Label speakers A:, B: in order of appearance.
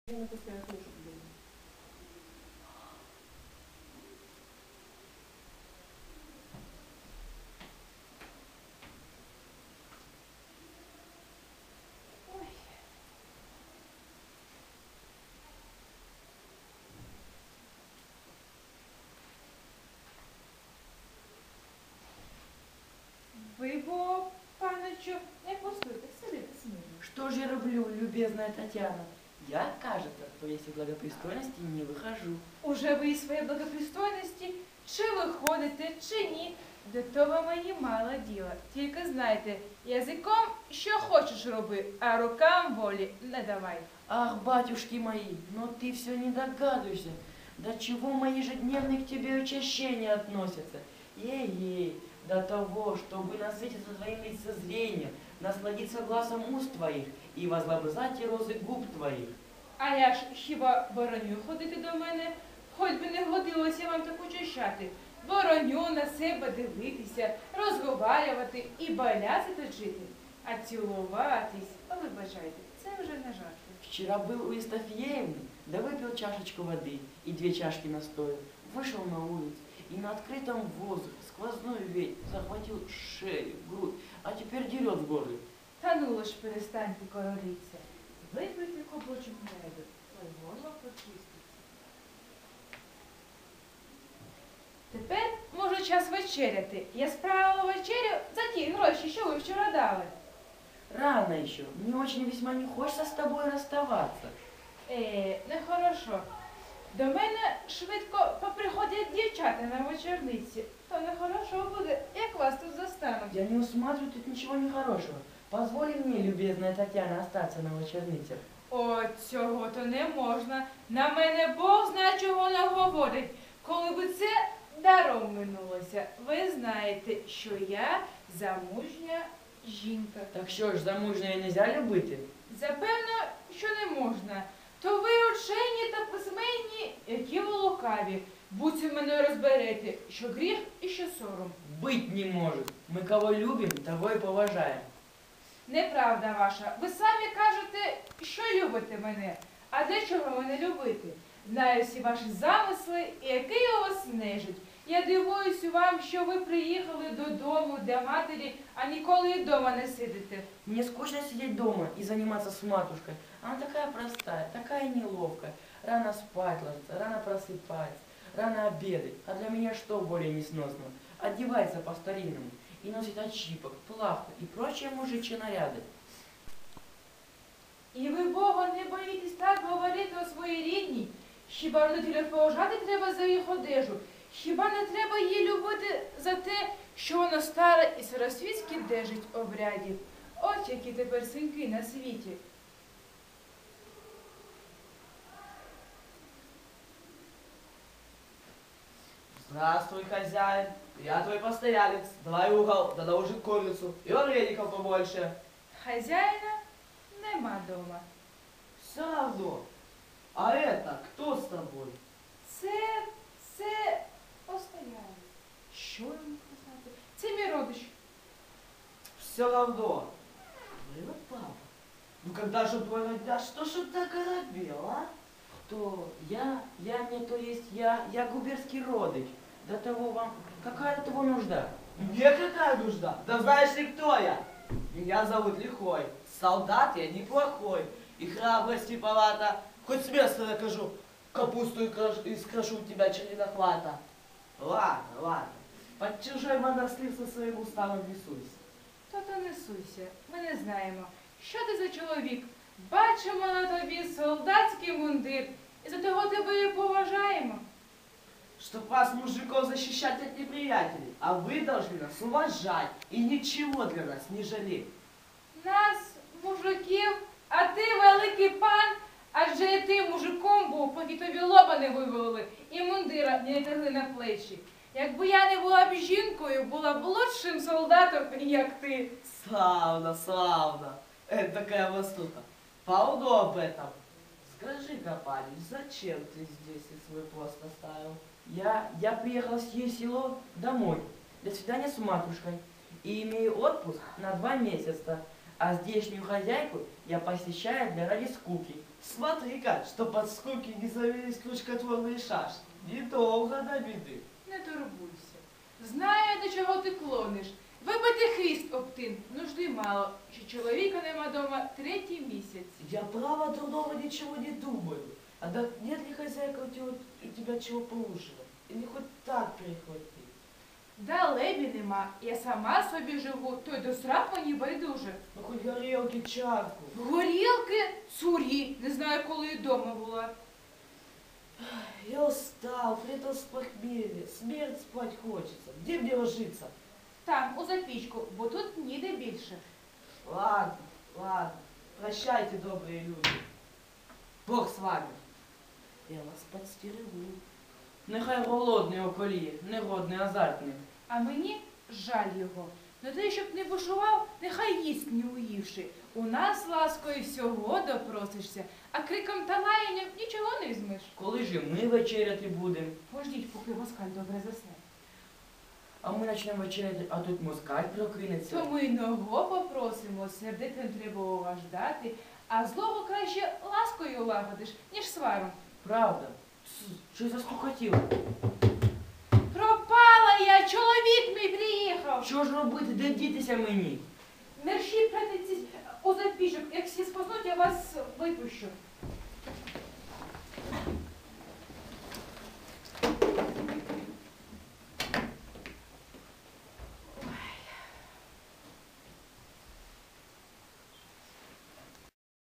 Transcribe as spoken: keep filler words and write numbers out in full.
A: Ви бо, паночу, не пустуйте, сидите смирно.
B: Что же я роблю, любезная Татьяна? Я, кажется, по весе благопристойности не выхожу.
A: Уже ви із своєї благопристойності, чи виходите, чи ні, до того мені мало діла. Тільки знайте, язиком що хочеш роби, а рукам волі не давай.
B: Ах, батюшки мои, но ты все не догадываешься, до чего мои ежедневные к тебе учащения относятся. Ей-ей, до того, чтобы насытиться твоим лицезрением, насладиться глазом уст твоих и возлобызать розы губ твоих.
A: А я ж хіба бороню ходити до мене? Хоч би не годилося вам так учащати. Бороню на себе дивитися, розговарювати і баляси точити. А цілуватись, ви бажаєте, це вже не жарти.
B: Вчера был у Евстафьевны, да выпил чашечку воды и две чашки настоя, вышел на улицу и на открытом воздухе сквозной ветер захватил шею, грудь, а теперь дерет в горле.
A: Та ну лиш перестаньте короліться. Випийте кобочок меду, той горло почиститься. Тепер, може, час вечеряти. Я справила вечерю за ті гроші, що ви вчора дали.
B: Рано еще, мне очень весьма не хочется с тобой расставаться.
A: Е, нехорошо. До мене швидко поприходять дівчата на вечорниці. То нехорошо буде, як вас тут застануть.
B: Я не усматриваю тут ничего нехорошего. Позволь мне, любезная Татьяна, остаться на вечерницах.
A: О, цього то не можна. На мене Бог знає, чого наговорить. Коли би це даром минулося. Ви знаєте, що я замужня жінка.
B: Так що ж, замужньою нельзя любити?
A: Запевно, що не можна. То ви учені та письменні, які ви лукаві. Будьте мене розберете, що гріх і що сором.
B: Быть не может. Мы кого любим, того и поважаем.
A: Неправда ваша. Ви самі кажете, що любите мене. А для чого мене любити? Знаю всі ваші замисли і який у вас нежить. Я дивуюся вам, що ви приїхали додому для матері, а ніколи і вдома не сидите.
B: Мне скучно сидеть дома и заниматься с матушкой. Она такая простая, такая неловкая. Рано спать ложится, рано просыпается, рано обедать. А для меня что более несносного? Одевается по-старинному и носит очипок, плавку и прочие мужичьи наряды.
A: І ви, Бога, не боїтесь так говорити о своїй рідній? Хіба родителю поважати треба за їх одежу? Хіба не треба її любити за те, що вона стара і старосвітськи держить обрядів? От які тепер синки на світі.
C: Здравствуй, хозяин. Я твой постоялец. Давай угол, да наложи курицу. И вареников побольше.
A: Хазяїна нема дома.
C: Все равно. А это кто с тобой?
A: Це, це постоялець. Що йому казати? Це мій родич.
C: Все равно. Ну, папа. Ну когда же твой родня, что ж он так оробел, а?
B: Кто? Я? Я не то есть я, я губернский родич. До того вам, какая до того нужда?
C: Мне какая нужда? Да знаешь ли, кто я? Меня зовут Лихой. Солдат я неплохой. И храбрости палата. Хоть с места накажу. Капусту и, краш... и скрошу тебя черенохвата. Ладно, ладно. Под чужой монастырь со своим уставом не суйся.
A: То-то не суйся. Ми не знаємо. Що ти за чоловік? Бачимо на тобі солдатський мундир. І за того тебе і поважаємо.
C: Чтоб вас, мужиков, защищать от неприятелей. А вы должны нас уважать и ничего для нас не жалеть.
A: Нас, мужиків, а ти великий пан, адже і ти мужиком був, поки тобі лоба не вивели і мундира не натягли на плечі. Якби я не була б жінкою, була б лучшим солдатом, як ти.
C: Славно, славно. Это такая востука. Полно об этом. Скажи-ка, парень, зачем ты здесь и свой пост оставил?
B: Я, я приехал с ее село домой для свидания с матушкой и имею отпуск на два месяца. а здешнюю хозяйку я посещаю для ради скуки.
C: Смотри-ка, что под скуки не завелись крючкотворные шашки. Недолго до беды.
A: Не турбуйся. Знаю, до чого ти клониш. Вибити хвіст об тин, нужди мало, що чоловіка нема дома третій місяць.
C: Я право дурного ничего не думаю. А да нет ли хозяйка у тебя, у тебя чего поужинать? Или хоть так перехватить?
A: Далебі нема, я сама собі живу, то й до срак мені байдуже.
C: Ну хоть горелки, чарку.
A: Горілки, цурі, не знаю, коли і дома була.
C: Я устал, притом с похмелья. Смерть спать хочется. Где мне ложиться?
A: Там, у запічку, бо тут ніде більше.
C: Ладно, ладно. Прощайте, добрые люди. Бог с вами. Я вас подстерегу.
B: Нехай голодний околіє, негодний азартний.
A: А мені жаль його. Но ти, щоб не бушував, нехай їсть не уївши. У нас ласкою всього допросишся, а криком та лаянням нічого не візьмеш.
B: Коли ж і ми вечеряти будемо?
A: Пождіть, поки москаль добре засне.
B: А ми почнемо вечеряти, а тут москаль прокинеться.
A: То ми й ного попросимо, сердитим треба уваждати, а злого краще ласкою лагодиш, ніж сваром.
B: Правда? Тс, що заскукотіло?
A: Пропала я, чоловік мій приїхав.
B: Що ж робити, де дітися мені?
A: Мерші, братиці, у запічок, як всі спознуть, я вас випущу.